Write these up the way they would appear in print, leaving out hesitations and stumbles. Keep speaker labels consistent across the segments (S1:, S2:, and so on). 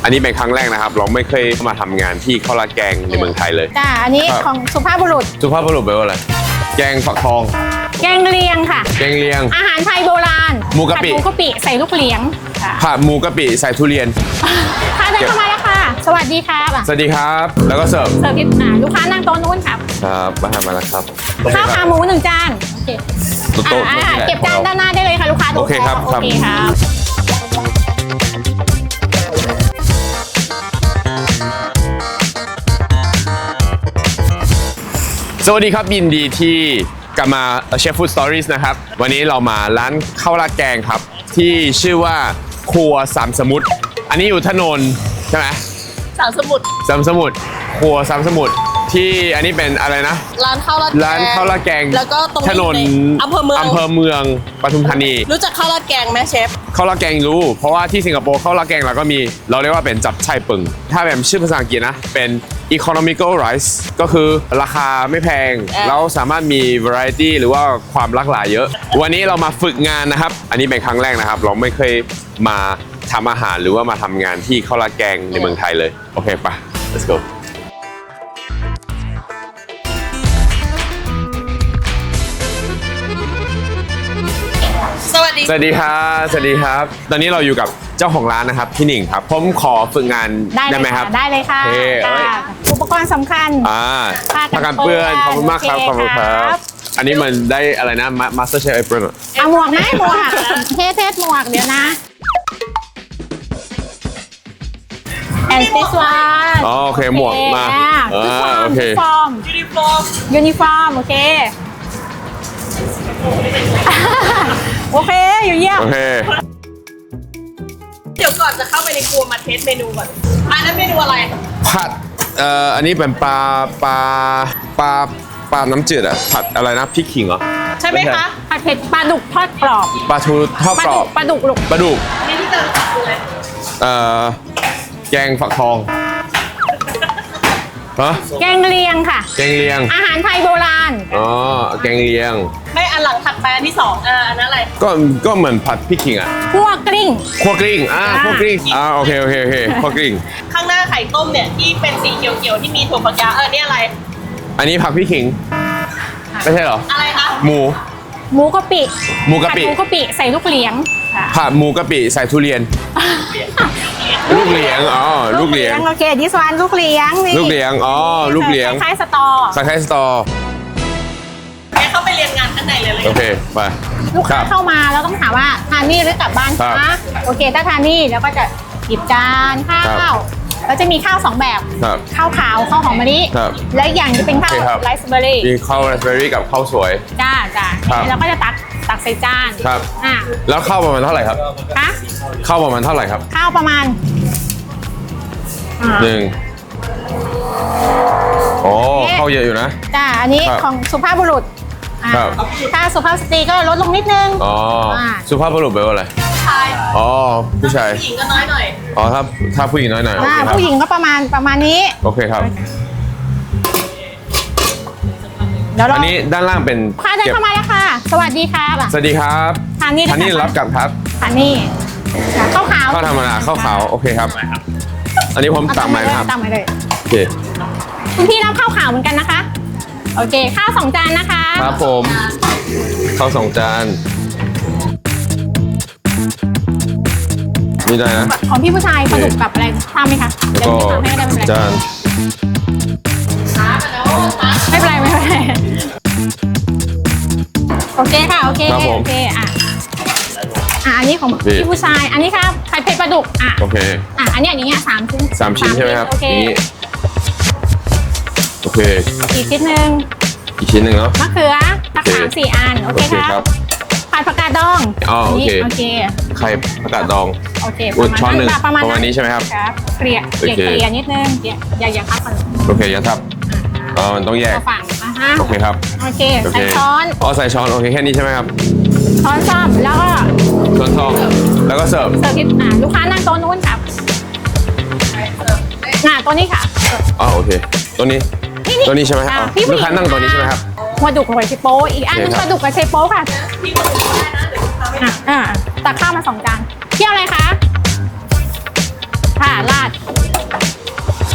S1: นนี้เป็นครั้งแรกนะครับเราไม่เคยมาทำงานที่ข้าวราดแกงในเมืองไทยเลย
S2: จ้าอันนี้ของสุภาพบุรุษ
S1: แปลว่าอะไรแกงฝักทอง
S2: แกงเลียงค่ะ
S1: แกงเลียง
S2: อาหารไทยโบราณ
S1: หมูกะปิ
S2: ใส่ลูกเหลียง
S1: ผัดหมูกะปิใส่ทุเรียน
S2: ค่ะเดินเข้ามาแล้วค่ะสวัสดีครับ
S1: สวัสดีครับแล้วก็เสิร์ฟ
S2: ที่ลูกค้านั่งโต๊ะนู้นครับ
S1: ครับมาแล้วครับ
S2: ข้าวขาหมู1 จานโอเคเก็บจานด้านหน้าได้เลยค่ะลูกค้า
S1: โอเคครับสวัสดีครับยินดีที่กลับมาเชฟฟู้ดสตอรี่นะครับวันนี้เรามาร้านข้าวราดแกงครับที่ชื่อว่าครัวสามสมุทรอันนี้อยู่ถนนใช่ไหม
S3: สามสมุทร
S1: ครัวสามสมุทรที่อันนี้เป็นอะไรนะ
S3: ร้านข้าวราดแกง
S1: แล้วก็ตรงถนน
S3: อำเภอเมือง
S1: ปทุมธานี
S3: รู้จักข้าวราดแกงไหมเชฟ
S1: ข้าวราดแกงรู้เพราะว่าที่สิงคโปร์ข้าวราดแกงเราก็มีเราเรียกว่าเป็นจับไช่ปึงถ้าแบบชื่อภาษาอังกฤษนะเป็น economical rice ก็คือราคาไม่แพงแล้วสามารถมี variety หรือว่าความหลากหลายเยอะวันนี้เรามาฝึกงานนะครับอันนี้เป็นครั้งแรกนะครับเราไม่เคยมาทำอาหารหรือว่ามาทำงานที่ข้าวราดแกงในเมืองไทยเลยโอเคปะ let's go
S3: สวัสดี
S1: ครับตอนนี้เราอยู่กับเจ้าของร้านนะครับพี่หนิงครับผมขอฝึกงานได้ไหมครับ
S2: ได้เลยค่ะอุปกรณ์สำคัญ
S1: ผ้ากันเปื้อนขอบคุณมากครับขอบคุณครับอันนี้มันได้อะไรนะ Master Chef Apron
S2: เอาหมวกไหมหมวกเทสหมวกเดี๋ยวนะ and this one
S1: โอเคหมวกมาโอเค
S2: ยูนิฟอร์มโอเคโอเคอยู่เยี่ยม
S1: โอเค
S3: เดี๋ยวก่อนจะเข้าไปในครัวมาเทสเมนูก่อนอันนั้นเมนูอะไร
S1: ผัดอันนี้เป็นปลาน้ำจืดอะผัดอะไรนะพริกขิงเหรอ
S3: ใช่ไหมคะ
S2: ผัดเผ็ดปลาดุกทอดกรอบ
S1: ปลาทูทอดกรอบ
S2: ปลาดุก
S3: นี่ที่เจอคืออะไร
S1: แกงฝักทอง
S2: แกงเลียงค่ะ
S1: แกงเลียง
S2: อาหารไทยโบราณ
S1: แกงเลียง
S3: ไม่อันหลังถัดไปอันที่2อันนั้นอะไร
S1: ก็เหมือนผัดพริกขิงอ่ะ
S2: คั่วกลิ้ง
S1: โอเคคั่วกลิ้ง
S3: ข้างหน้าไข่ต้มเนี่ยที่เป็นสีเขียวๆที่มีถั่วฝักยาวนี่อะไร
S1: อันนี้ผักพริกขิงไม่ใช่เหรอ
S3: อะไรคะ
S1: หมู
S2: กะปิใส่ลูกเหลียง
S1: ผัดหมูกะปิใส่ทุเรียนลูกเหลียง
S2: โอเคดิสวานลูกเหลียง
S1: ลูกเหลียง
S2: คล้ายสตอ
S3: เข้าไปเรียนงานข้างในเลย
S1: โอเคไป
S2: ลูกค้าเข้ามาแล้วต้องถามว่าทานนี่หรือกลับบ้านคะโอเคถ้าทานนี่แล้วก็จะหยิบจานข้าวแล้วจะมีข้าว2แบบข้าวขาวข้าวหอมมะลิและอย่างจะเป็นข้าวไรซ์เบอร์รี่
S1: มีข้าวไรซ์เบอร์รี่กับข้าวสวย
S2: จ้าแล้วก็จะตักใส่จาน
S1: ครับแล้วข้าวประมาณเท่าไหร่ครับข้าวประมาณเท่าไหร่ครับ
S2: ข้าวประมาณ
S1: 1ข้าวเยอะอยู่นะ
S2: จ้าอันนี้ของสุภาพบุรุษถ้าสุภาพสตรีก็ลดลงนิดนึง
S1: สุภาพบุรุษแปลว่าอะไรผู้ชาย
S3: ผู้หญิงก็น้อยหน่อย
S1: ถ้าผู้หญิงน้อยหน่อย
S2: ผู้หญิงก็ประมาณนี้
S1: โอเคครับอันนี้ด้านล่างเป็น
S2: ค่ะเดินเข้ามาแล้วค่ะสวัสดีครับทานนี่
S1: รับกลับครับ
S2: ทานนี่ข้าวขาว
S1: ข้าวธรรมดาข้าวขาวโอเคครับอันนี้ผมตักใหม่นะครับโอเค
S2: คุณพี่รับข้าวขาวเหมือนกันนะคะโอเคข้าว2 จานนะคะ
S1: ครับผมข้าว2 จานนี่ได้นะ
S2: ของพี่ผู้ชายปลาดุกกับอะไรทราบไหมคะ
S1: แล้วก็จาน
S2: ไม่เป็นไรโอเคค่ะโอเคอันนี้ของพี่ผู้ชายอันนี้ครับไข่เผ็ดปลาดุก
S1: โอเค
S2: อันนี้อย่างเงี้ย3 ชิ้น
S1: ใช่ไหมครับนี่โอเค
S2: อีกชิ้นหนึ่ง
S1: เนาะ
S2: มะเขือสัก3-4 อันโอเคครับผัดผักกาดดอง
S1: โอเคไข่ผักกาดดอง
S2: โอเค
S1: ช้อน1ประมาณนี้ใช่ไหมครับ
S2: เกลี่ยนิดนึงอย่าทับกัน
S1: โอเคอย่าทับมันต้องแยกโอเคครับ
S2: โอเคใส่ช้อน
S1: ใส่ช้อนโอเคแค่นี้ใช่ไหมครับ
S2: ช้อนซ่อมแล้วก็
S1: ช้อนซ่อมแล้วก็เสิร์ฟ
S2: ที่ลูกค้านั่งโต๊ะนู้นครับโต๊ะนี้ค่ะ
S1: โอเคโต๊ะนี้ใช่ไหมครับลูกค้านั่งโต๊ะนี้ใช่ไหมครับ
S2: ปลาดุกกับไชโป๊อีกอันนึงปลาดุกกับไชโป๊ค่ะตักข้าวมา2 จานเที่ยวอะไรคะราด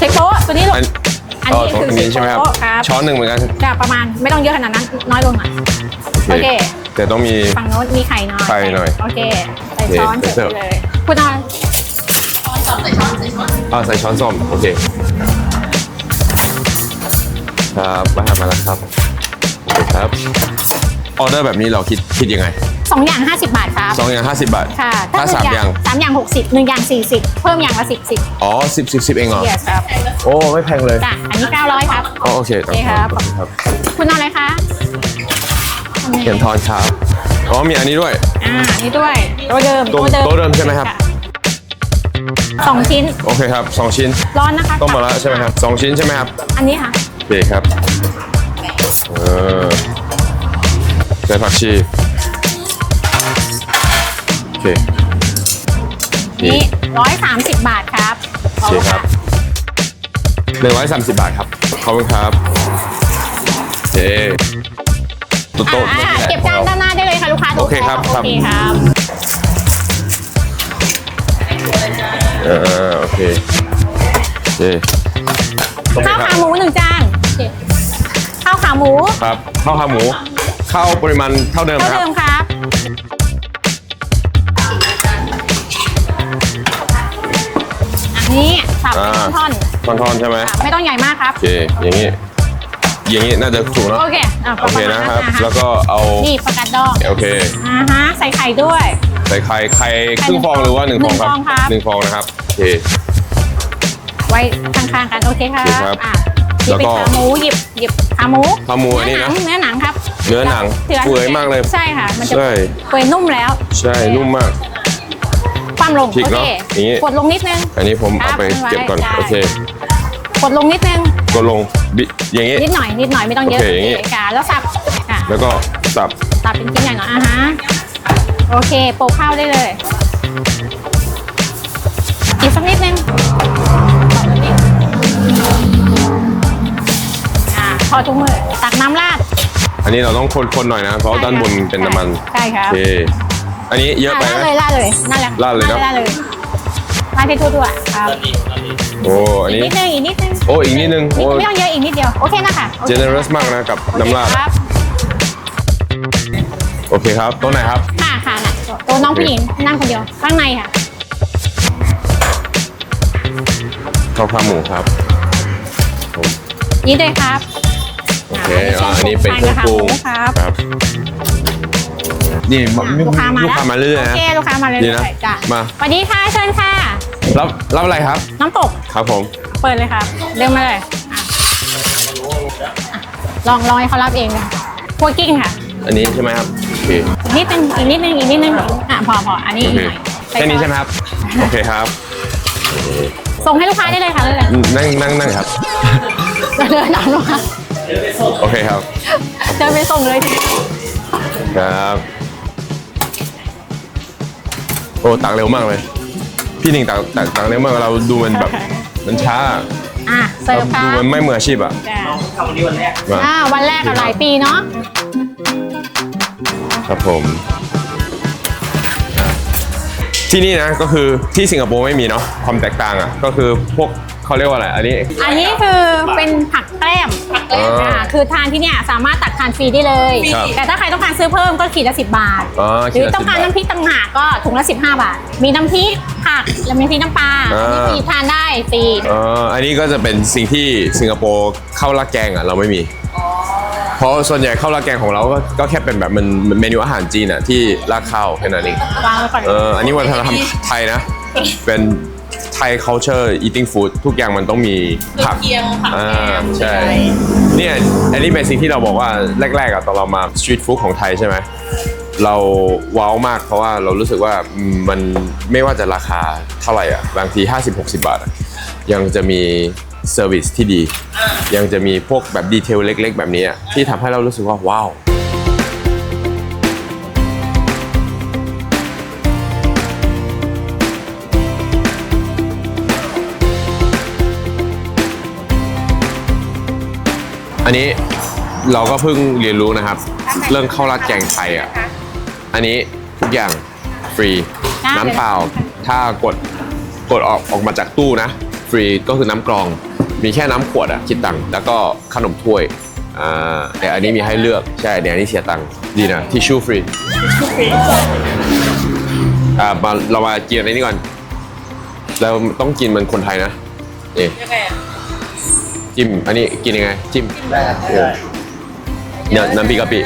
S2: ช้โป๊ะตัวนี้ลูก อันนี้
S1: ตรง
S2: คือ
S1: นี้ใช่ไหมครับ
S2: โป๊ะครับ
S1: ช้อนหนึ่งเหมือนกัน
S2: จะประมาณไม่ต้องเยอะขนาดนั้นน้อยลงหน่อยโอเค
S1: แต่ต้องมี
S2: ฝั่งโน้นมีไข่น้อย
S1: ไข่หน่อย
S2: โอเคใส่ช้อน
S1: โอเค
S2: เสร็จเลยคุณนอน
S1: ใส่ช้อนส้อมโอเคครับมาแล้วครับโอเคครับออเดอร์แบบนี้เราคิดยังไง
S2: 2 อย่าง 50 บาทครับ
S1: 2 อย่าง 50 บาท
S2: ค่ะ
S1: ถ้า 3 อย่าง
S2: 3 อย่าง 60 1 อย่าง 40 เพิ่มอย่างละ10
S1: อ๋อ10เองเหรอ
S2: yes ครับ
S1: โอ้ไม่แพงเลย
S2: จ้ะอันนี้900ครับ
S1: อ๋อโอเค
S2: โอเคครับ
S1: ครับ
S2: คุณนอนอะไรคะ
S1: เขียนทอนครับอ๋อมีอันนี้ด้วย
S2: อันนี้ด้วยโต๊ะเดิม
S1: โต๊ะเดิมใช่ไหมครับ
S2: 2 ชิ้น
S1: โอเคครับ2 ชิ้น
S2: ร้อนนะคะ
S1: ต้มมาแล้วใช่ไหมครับ2 ชิ้นใช่ไหมครับ
S2: อันนี้ค่ะ
S1: โอเคครับใส่ผักชีโอเค
S2: นี่130 บาทครับ
S1: โอเคครับ130 บาทครับขอบคุณครับโอเคโต๊ะ
S2: เก็บจานด้านหน้าได้เลยค่ะลูกค้า
S1: โอเคครับ
S2: โอเคครับ
S1: โอเคโอเคโอเค
S2: ข้าว
S1: ครั
S2: ขา
S1: บ
S2: หมู1 จานโอเคข้าวขาหมู
S1: ครับข้าวขาหมูข้าวปริมาณเท่าเดิม
S2: เท่า
S1: นะครับ
S2: เดิมครับอันนี้สับเป็นท่อน
S1: ท่อนๆใช่ไหม
S2: ๆไม่ต้องใหญ่มากครับ
S1: โอเคอย่างนี้น่าจะถูกเนาะ
S2: โอเค
S1: โอเคนะครับ แล้วก็เอา
S2: นี่ปลากระดอง
S1: โอเค
S2: ใส่ไข่ด้วย
S1: ใส่ไข่ครึ่งฟองหรือว่า1 ฟองครับ
S2: 1 ฟองครับ
S1: 1 ฟองนะครับโอเค
S2: ไว้ข้างๆกันโอเคครับ
S1: โอเคครับ
S2: หยิบ
S1: แล้ว
S2: เป็น
S1: ก็
S2: ขาหมูหยิบขาหมู
S1: ขาหมูอันนี้นะ
S2: เนื้อหนังครับ
S1: เนื้อหนังเปื่อยมากเลย
S2: ใช่ค่ะ มันจะ
S1: ใช่
S2: เปื่อยนุ่มแล้ว
S1: ใช่นุ่มมาก
S2: ความลง
S1: พริก
S2: โอ
S1: เน
S2: เค
S1: อะอย่างงี้
S2: กดลงนิดนึง
S1: อันนี้ผม
S2: ครั
S1: เอา
S2: บ
S1: ไปเก็บก่อน
S2: ไว้
S1: โอเค
S2: กดลงนิดนึง
S1: ก็ลงอย่างนี้
S2: นิดหน่อยไม่ต้องเยอะ
S1: โอเคอย่างงี้
S2: ค่ะแล้วสับค่ะ
S1: แล้วก็สับ
S2: สับเป็นชิ้นใหญ่หน่อยโอเคโปะข้าวได้เลยอีกสักนิดนึงพอทุกมือตักน้ำราด
S1: อันนี้เราต้องคนๆหน่อยนะเพราะด้านบนเป็นน้ำมัน
S2: ใช่ครับ
S1: โอเคอันนี้เยอะไปไหม
S2: ราดเลยนั่นแหละ
S1: ราดเลยเนอะ
S2: ราดเลยที่ทั่วๆครับ
S1: โอ้อันนี้
S2: อีกนิดนึง
S1: โอ้อีกนิดนึงโอ้
S2: ไม่ต้องเยอะอีกนิดเดียวโอเคนะคะโอเค
S1: generous มากนะกับน้ำราด
S2: ครับ
S1: โอเคครับโต๊ะไหนครับ
S2: ค่ะน่ะตัวน้องผู้หญิงนั่งคนเดียวข้างในค่ะ
S1: ข้าวขาหมูครับผม
S2: นี่เลยครับ
S1: โอเคอันนี้เป็นเครื่องปรุง
S2: ครับ
S1: ครับนี่
S2: ลูกค้ามา
S1: เรื่อยๆ
S2: โอ
S1: นะ
S2: เคลูกค้ามาเรื่
S1: ดี
S2: อย
S1: นะ
S2: ๆจ้ะ
S1: มา
S2: สวัสดีค่ะเชิญค่ะ
S1: รับอะไรครับ
S2: น้ำตก
S1: ครับผม
S2: เปิดเลยครับเดินมาเลยลองให้เขารับเองเลยคั่วกิ้งค่ะ
S1: อันนี้ใช่ไหมครับโอเค
S2: อีกนิดนึงพออันนี้
S1: โอ
S2: อีก
S1: เค
S2: หน่อย
S1: แค่นี้ใช่ไหมครับโอเคครับ
S2: ส่งให้ลูกค้าได้เลยค่ะเลย
S1: นั่งครับ
S2: เดินตามลูกค้า
S1: โอเคครับ
S2: เดินไปส่งเลย
S1: ครับโอ้ตักเร็วมากเลย พี่หนิงตักเร็วมากเราดูมันแบบมันช้า
S2: เสิร์ฟค่ะ
S1: ดูมันไม่มืออาชีพอ่ะ
S3: ทำวันนี้วันแรก
S1: มา
S2: วันแรกกับหลายปีเนาะ
S1: ครับผมที่นี่นะก็คือที่สิงคโปร์ไม่มีเนาะความแตกต่างอ่ะก็คือพวกเขาเรียกว่าอะไรอันนี้
S2: อันนี้คือเป็นผักแกล้มคือทานที่เนี่ยสามารถตักทานฟรีได้เลย
S1: ครับ
S2: แต่ถ้าใครต้องการซื้อเพิ่มก็ขีดละ10 บาท หรือต้องการน้ำพริกต่างหากก็ถุงละ15 บาท มีน้ำพริกผักและมีน้ำพริกน้ำปลาอันนี้ฟรีทานได้ฟรี
S1: อันนี้ก็จะเป็นสิ่งที่สิงคโปร์ข้าวราดแกงอ่ะเราไม่มีเพราะส่วนใหญ่ข้าวราดแกงของเราก็แค่เป็นแบบมันเมนูอาหารจีนอ่ะที่ราดข้าวแค่นั้นเอง
S2: วางไว้ก่อน
S1: อันนี้วัฒนธรรมไทยนะ เป็นไทย culture eating food ทุกอย่างมันต้องมีผัก
S3: เคียงผักแกง
S1: ใช่ เนี่ยอันนี้เป็นสิ่งที่เราบอกว่าแรกๆอะตอนเรามา street food ของไทยใช่ไหม เราว้าวมากเพราะว่าเรารู้สึกว่ามันไม่ว่าจะราคาเท่าไหร่อ่ะ บางที 50-60 บาทอะยังจะมีเซอร์วิสที่ดี ยังจะมีพวกแบบดีเทลเล็กๆ แบบนี้อะที่ทำให้เรารู้สึกว่าว้าว อันนี้เราก็เพิ่งเรียนรู้นะครับ เรื่องข้าวราดแกงไทยอ่ะ อันนี้ทุกอย่างฟรี น้ำเปล่าถ้ากดออกมาจากตู้นะ ฟรีก็คือน้ำกรองมีแค่น้ำขวดอะคิดตังค์แล้วก็ขนมถ้วยแต่อันนี้มีให้เลือกใช่เดี๋ยวอันนี้เสียตังค์ดีนะทิชชู่ฟรีเรามากินอันนี้ก่อนเราต้องกินเหมันคนไทยนะนี่
S3: ยังไงอ่ะ
S1: จิ้มอันนี้กินยังไงจิ้มเนี่ยน้ำพริกกะปิ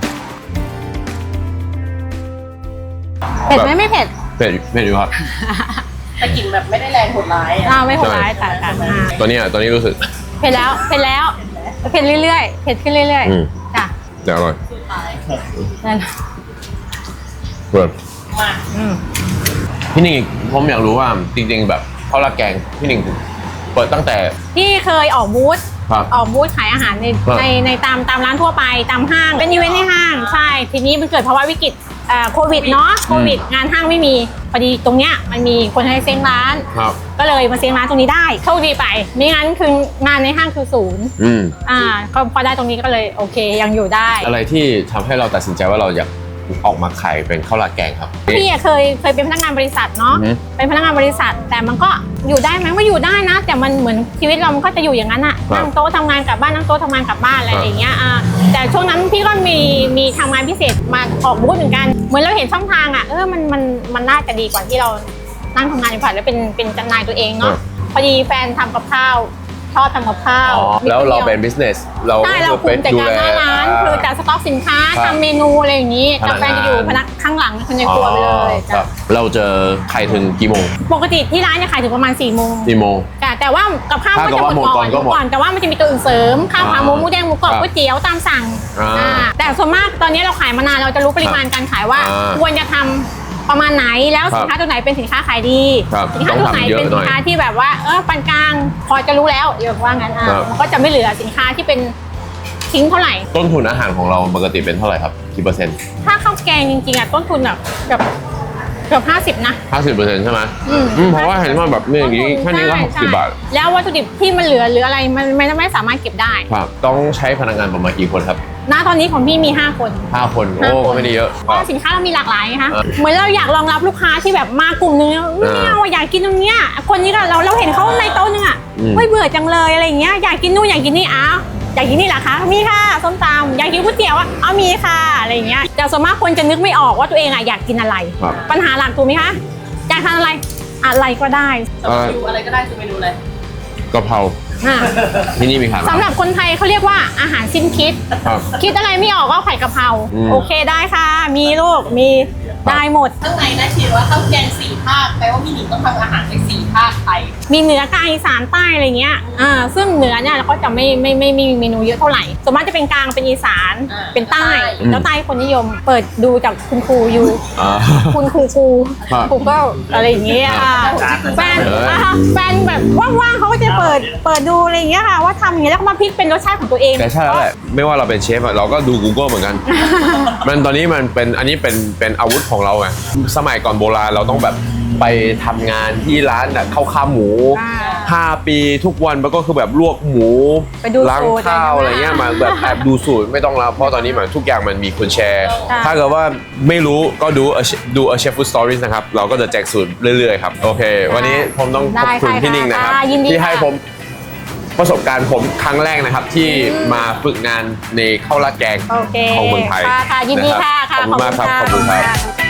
S2: เผ็ดไหมไม่เผ็ด
S1: เผ็ดอยู่ครับ
S3: แต่กลิ่นแบบไม่ได้แรงโหดร้ายอ่ะ
S2: ไม่โหดร้ายแต่
S1: ตัวนี้รู้สึก
S2: เผ็ดแล้วเผ็ดเรื่อยๆเผ็ดขึ้นเรื่อย
S1: อืม
S2: ๆจ้ะ
S1: เดี๋ยวอร่อย
S3: สุดท้าย
S2: นั่น
S1: เปิด
S3: มา
S1: พี่หนิงผมอยากรู้ว่าจริงๆแบบข้าวราดแกงพี่หนิงเปิดตั้งแต่
S2: พี่เคยออกบูธ
S1: ครับ
S2: ออกบูธขายอาหารใน
S1: ครับ
S2: ในตามร้านทั่วไปตามห้างเป็นอีเวนต์ในห้างใช่ทีนี้มันเกิดภาวะวิกฤตโควิดเนาะโควิดงานห้างไม่มีพอดีตรงเนี้ยมันมีคนให้เซ้งร้าน
S1: ครับ
S2: ก็เลยมาเซ้งร้านตรงนี้ได้โชคดีไปไม่งั้นคืองานในห้างคือศูนย์ ก็พอได้ตรงนี้ก็เลยโอเคยังอยู่ได้
S1: อะไรที่ทำให้เราตัดสินใจว่าเราอยากออกมาขายเป็นข้าวราดแกงครับ
S2: พี่อะเคยเป็นพนักงานบริษัทเนาะ
S1: อือฮึ
S2: เป็นพนักงานบริษัท แต่มันก็อยู่ได้ไหมว่าอยู่ได้นะ แต่มันเหมือนชีวิตเรามันก็จะอยู่อย่างนั้นอะ
S1: ครับ
S2: นั่งโต๊ะทำงานกลับบ้านนั่งโต๊ะทำงานกลับบ้านอะไร
S1: ครับ
S2: อย่างเงี้ยแต่ช่วงนั้นพี่ก็มีทำงานพิเศษมาออกบูธเหมือนกัน เหมือนเราเห็นช่องทางอะมันน่าจะดีกว่าที่เรานั่งทำงานในฝันแล้วเป็นจำหน่ายตัวเองเนาะพอดีแฟนทำกับข้าวชอบทำกับข้าว
S1: แล้วเราเป็น
S2: มี
S1: business เรา
S2: ใช่เราคุมจัดการหน้าร้านคือจัดสต็อกสินค้า
S1: ครับ
S2: ทำเมนูอะไรอย่างนี้
S1: พนั
S2: แต่
S1: กงาน
S2: แฟนจะอยู่พนักข้างหลังคนในครัวไปเลย
S1: ครั
S2: จ้ะ
S1: บเราเจอใครถึงกี่โมง
S2: ปกติที่ร้านจะขายถึงประมาณ4 โมง
S1: กี่โมง
S2: แต่ว่ากับข้าว
S1: ถ้า
S2: ก็
S1: เกิด
S2: จะหมด
S1: ว่าหมดก่
S2: ก่
S1: อ
S2: อน น
S1: ก็หมด
S2: แต่ว่ามันจะมีตัวอื่นเสริมข้าวขาหมูหมูแดงหมูกรอบ
S1: ครับ
S2: ก๋วยเตี๋ยวตามสั่ง
S1: อ่า
S2: แต่ส่วนมากตอนนี้เราขายมานานเราจะรู้ปริมาณการขายว่า ควรจะทำประมาณไหนแล้วสินค้าตัวไหนเป็นสินค้าขายดี
S1: ครับ
S2: สินค้าตัวไหน
S1: ต้องทำเยอะ
S2: เป็น
S1: หน่
S2: สิ
S1: อย
S2: นค้าที่แบบว่าปานกลางพอจะรู้แล้วเดี๋ยวว่างั้น
S1: ครับ
S2: มันก็จะไม่เหลือสินค้าที่เป็นทิ้งเท่าไหร่
S1: ต้นทุนอาหารของเราปกติเป็นเท่าไหร่ครับกี่เปอร์เซ็นต์
S2: ถ้าข้าวแกงจริงๆต้นทุนแบบเกือบ50นะ
S1: 50%ใช่ไหมเพราะว่าเห็นว่าแบบนี่อย่างนี้แค่นี้ก็
S2: ใช่
S1: 60 บาท
S2: แล้ววัตถุดิบที่มันเหลือหรืออะไรมันไม่สามารถเก็บได้
S1: ครับต้องใช้พนักงานประมาณกี่คนครับ
S2: ณตอนนี้ของพี่มี5 คน
S1: 5 คนโอ้ก็ไม่ได้เยอะ
S2: เพราะสินค้าเรามีหลากหลายไงคะ
S1: อ่า
S2: เหมือนเราอยากรองรับลูกค้าที่แบบมากลุ่มนึงไม่เอาอยากกินตรงเนี้ยคนนี้ก็เราเห็นเขาในโต๊ะนึงอ่ะเบื่อจังเลยอะไรอย่างเงี้ยอยากกินนู่นอยากกินนี่อยากกินนี่เหรอคะมีค่ะส้มตำอยากกินก๋วยเตี๋ยวมีค่ะอะไรอย่างเงี้ยแต่ส่วนมากคนจะนึกไม่ออกว่าตัวเองอยากกินอะไร ปัญหาหลักถูกไหมคะอยากทานอะไรก็ได้
S3: แต่ว่าดูอะไรก็ได้คือเมนูอะไร
S1: กะเพราที่นี่มีขายไหม
S2: สำหรับคนไทยเขาเรียกว่าอาหารสิ้นคิด
S1: ครับ
S2: คิดอะไรไม่ออกก็ไข่กะเพรา โอเคได้ค่ะ มีลูกมี
S1: ครับ
S2: ได้หมด
S3: ข้างในนะเขียนว่าข้าวแกง4 ภาคแปลว่าพี่หนิงต้องทำอาหารใน4 ภาคไทย
S2: มีเหนือกลางอีสานใต้อะไรเงี้ยซึ่งเหนือเนี่ยเราก็จะไม่มีเมนูเยอะเท่าไหร่ส่วนมากจะเป็นกลางเป็นอีสาน
S3: อ่า
S2: เป็นใต้
S1: อืม
S2: แล้วใต้คนนิยม เปิดดูจากคุณครูอยู่
S1: อ่า
S2: คุณครู
S1: ครับ
S2: ครูก็อะไรอย่างเงี้ยแฟน
S1: เออ
S2: แฟนแบบว่างๆเขาก็จะเปิดดูอะไรอย่างเงี้ยค่ะว่าทำอย่างเงี้ยแล้วก็มาพลิกเป็นรสชาติของตัวเอง
S1: แต่ใช่แล้วแหละไม่ว่าเราเป็นเชฟอะเราก็ดู Google เหมือนกัน มันตอนนี้มันเป็นอันนี้เป็นอาวุธของเราไงสมัยก่อนโบราณเราต้องแบบไปทำงานที่ร้านข้าวขาหมู 5 ปีทุกวันมันก็คือแบบลวกหมู
S2: ไปดู
S1: ล้าง
S2: สูตร
S1: ข้าวอะไรเงี้ยมาแบบแอบดูสูตรไม่ต้องแล้วเพราะตอนนี้มันทุกอย่างมันมีคนแชร์ ถ้าเกิดว่าไม่รู้ก็ดู A Chef Food Stories นะครับ เราก็จะแจกสูตรเรื่อยๆครับ โอเค วันนี้ผมต้องขอบคุณพี่นิ่งนะครับ
S2: ยินดี
S1: ที่ให้
S2: ค่ะ
S1: ผมประสบการณ์ผมครั้งแรกนะครับ ที่มาฝึกงานในข้าวราดแกง
S2: โอเค
S1: ของเมืองไทย
S2: ค่ะยินดีค่ะ
S1: ขอบคุณมากครับขอบคุณครับ